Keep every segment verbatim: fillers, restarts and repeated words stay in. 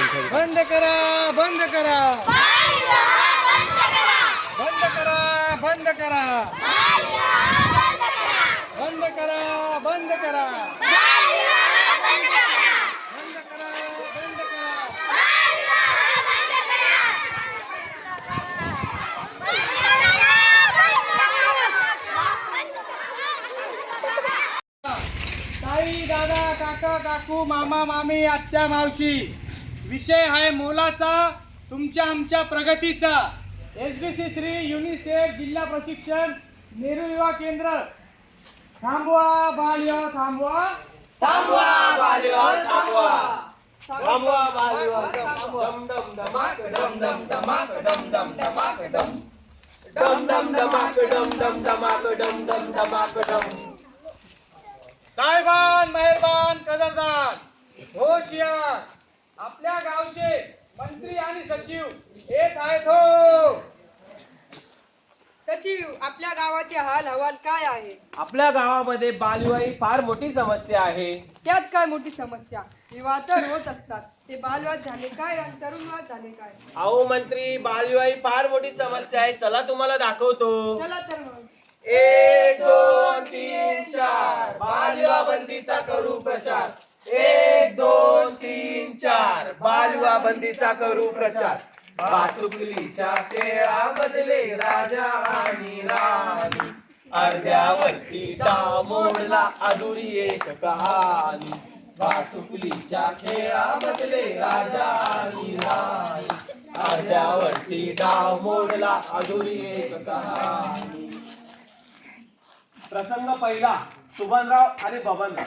बंद करा बंद करा बंद करा बंद करा बंद करा बंद करा ताई दादा काका काकू मामा मामी आत्या मावशी विषय आहे मोलाचा तुमच्या आमच्या प्रगतीचा S B C three UNICEF जिल्हा प्रशिक्षण नेहरू युवा केंद्र थांबवा बालविवाह थांबवा थांबवा बालविवाह थांबवा थांबवा बालविवाह डम डम धमाक डम डम धमाक डम डम धमाक डम डम डम धमाक डम डम धमाक डम डम धमाक डम साहेबान मेहरबान कदरदान होशियार आपल्या गावचे मंत्री आणि सचिव येत आहेत हो. सचिव आपल्या गावाचे हाल हवाल काय आहे? आपल्या गावामध्ये बालविवाह ही फार मोठी समस्या आहे. त्यात काय मोठी समस्या? विवाह तर होत असतात, ते बालविवाह झाले काय आणि तरुणवाद झाले काय? अहो मंत्री, बालविवाह ही फार मोठी समस्या आहे. चला तुम्हाला दाखवतो. चला तर मग. एक दोन तीन चार बालविवाह बंदीचा करू प्रचार. एक दोन तीन चार बालविवाह बंदीचा करू प्रचार. भातुकलीच्या खेळाबदले राजा आणि राणी, अर्ध्यावरती डाव मोडला अधुरी एक कहाणी. भातुकलीच्या खेळाबदले राजा आणि राणी, अर्ध्यावरती डाव मोडला अधुरी एक कहाणी. प्रसंग पहिला, सुभानराव आणि बबनराव.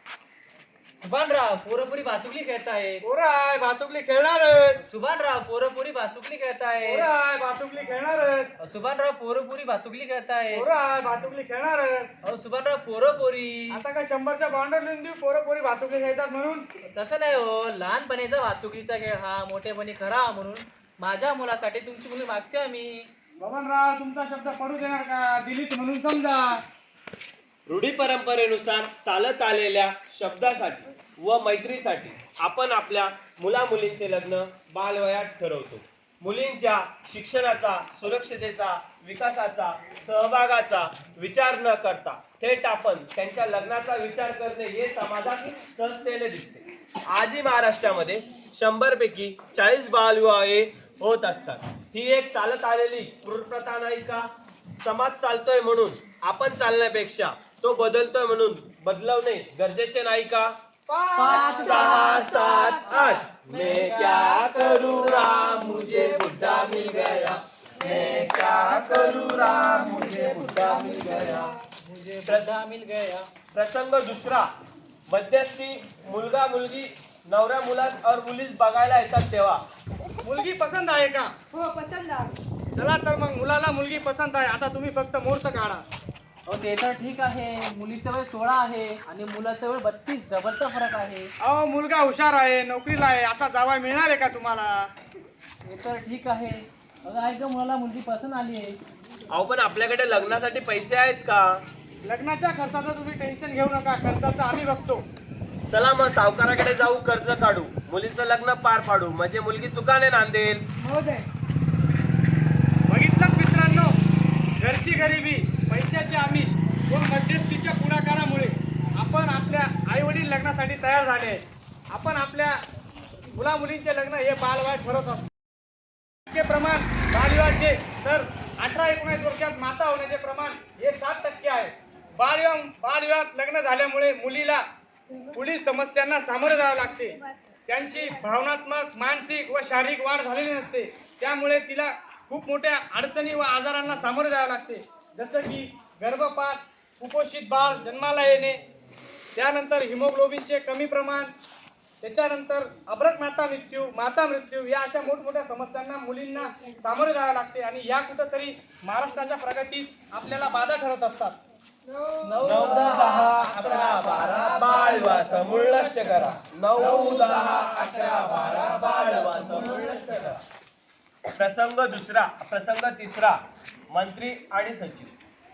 सुभानराव पोरपुरी भातुकली खेळताय. पोराय भातुकली खेळणारच. सुभानराव पोरपुरी भातुकली खेळताय. पोराय भातुकली खेळणारच. सुभानराव पोरपुरी भातुकली खेळताय. पोराय भातुकली खेळणारच. अहो सुभानराव पोरपोरी. आता काय शंभरच्या बाउंडर लिहून देऊ पोरं पोरी भातुकली खेळतात म्हणून? तसं नाही हो, लहानपणीचा भातुकलीचा खेळ हा मोठेपणी खरा म्हणून माझ्या मुलासाठी तुमची मुली मागते आम्ही. बबनराव तुमचा शब्द पडू देणार का? दिलीत म्हणून समजा. रूढी परंपरेनुसार चालत आलेल्या शब्दासाठी व मैत्रीसाठी आपण आपल्या मुला मुलींचे लग्न बालवयात ठरवतो. मुलींच्या शिक्षणाचा, सुरक्षितेचा, विकासाचा, सहभागाचा विचार न करता थेट आपण त्यांच्या लग्नाचा विचार करणे हे समाजात सहजतेने दिसते. आजही महाराष्ट्रामध्ये शंभर पैकी चाळीस बालविवाहे होत असतात. ही एक चालत आलेली क्रूर प्रथा नाही का? समाज चालतोय म्हणून आपण चालण्यापेक्षा तो बदलतोय म्हणून बदलवणे गरजेचे नाही का? पाच सहा सात आठ मैं क्या करूँ राम मुझे बुढ़ा मिल गया. मैं क्या करूँ राम मुझे बुढ़ा मिल गया. मुझे बुढ़ा मिल गया. प्रसंग दुसरा, मध्यस्थी. मुलगा मुलगी नवऱ्या मुलास और मुलीस बघायला येतात तेव्हा. मुलगी पसंत आहे का? हो पसंत आहे. चला तर मग मुलाला मुलगी पसंत आहे. आता तुम्ही फक्त मुहूर्त काढा. अहो ते तर ठीक आहे, मुलीचं वय सोळा आहे आणि मुलाचं वय बत्तीस, डबलचा फरक आहे. अहो मुलगा हुशार आहे, नोकरीला आहे, आता जावाय मिळणार आहे का तुम्हाला? ते तर ठीक आहे. अगं ऐक गं, मुलाला मुलगी पसंत आली आहे. अहो पण आपल्याकडे लग्नासाठी पैसे आहेत का? लग्नाच्या खर्चाचं तुम्ही टेन्शन घेऊ नका, खर्चाचं आम्ही बघतो. चला मग सावकाराकडे जाऊ, कर्ज काढू, मुलीचं लग्न पार पाडू, म्हणजे मुलगी सुखाने नांदेल. महोदय बघितलं मित्रांनो, घरची गरिबी, पैशाची आमिष व मध्यस्थीच्या पुढाकारामुळे आपण आपल्या आई वडील लग्नासाठी तयार झाले आहेत. आपण आपल्या मुला मुलींचे लग्न हे बालविवाह ठरवत असतो. टक्के प्रमाण बालविवाहाचे तर अठरा एकोणीस वर्षात माता होण्याचे प्रमाण हे सात टक्के आहे. बालविवाह बालविवाहात लग्न झाल्यामुळे मुलीला पुढील समस्यांना सामोरे जावे लागते. त्यांची भावनात्मक, मानसिक व शारीरिक वाढ झालेली नसते. त्यामुळे तिला खूप मोठ्या अडचणी व आजारांना सामोरे जावे लागते, जसं की गर्भपात, कुपोषित बाळ जन्माला येणे, त्यानंतर हिमोग्लोबिनचे कमी प्रमाण, त्याच्यानंतर अब्रक माता मृत्यू, माता मृत्यू या अशा मोठमोठ्या समस्यांना मुलींना सामोरे जावे लागते. आणि या कुठंतरी महाराष्ट्राच्या प्रगतीत आपल्याला बाधा ठरत असतात. नऊ दहा अकरा बारा बालविवाह समूळ नष्ट करा. नऊ दहा अकरा बारा बालविवाह समूळ नष्ट करा. प्रसंग दुसरा, प्रसंग तिसरा, मंत्री आणि सचिव.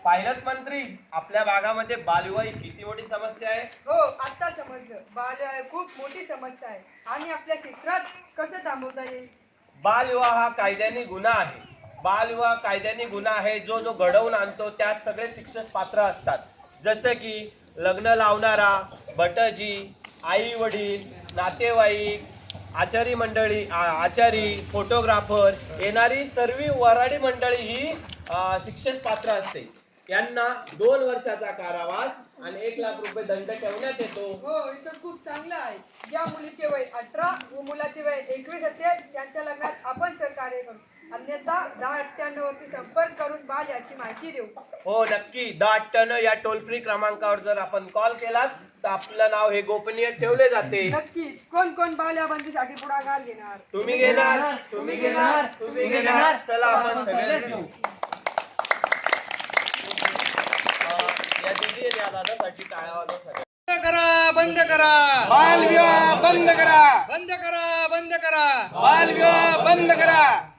पायलट मंत्री, आपल्या भागामध्ये बालविवाह ही किती मोठी समस्या आहे? हो आता समजलं, बालविवाह खूप मोठी समस्या आहे आणि आपल्या क्षेत्रात कसं थांबवता येईल? बालविवाह हा कायद्याने गुन्हा आहे. बालविवाह कायद्याने गुन्हा आहे. जो जो घडवून आणतो त्यात सगळे शिक्षक पात्र असतात. जसं की लग्न लावणारा, भटजी, आई वडील, नातेवाईक, आचारी मंडळी, आ- आचारी, फोटोग्राफर, येणारी सर्व वराडी मंडळी ही अ, शिक्षेस पात्र असते. यांना दोन वर्षाचा कारावास आणि एक लाख रुपये दंड ठेवण्यात येतो. हो इथं खूप चांगलं आहे. ज्या मुलीचे वय अठरा व मुलाचे वय एकवीस असेल त्यांच्या लग्नात आपण सहकार्य करू. अन्यथा दहा अठ्ठ्याण्णव वरती संपर्क करून बाल याची माहिती देऊ. हो नक्की, दहा अठ्ठ्याण्णव या टोल फ्री क्रमांकावर जर आपण कॉल केला तर आपलं नाव हे गोपनीय ठेवले जाते. नक्कीच. कोण कोण बाल या बंदीसाठी पुढाकार घेणार? तुम्ही घेणार, तुम्ही घेणार, तुम्ही घेणार. चला आपण सगळे घेऊ. या दीदी आणि या दादासाठी टाळ्या वाजवा सगळ्या. बंद करा बंद करा बालविवाह बंद करा. बंद करा बंद करा बालविवाह बंद करा.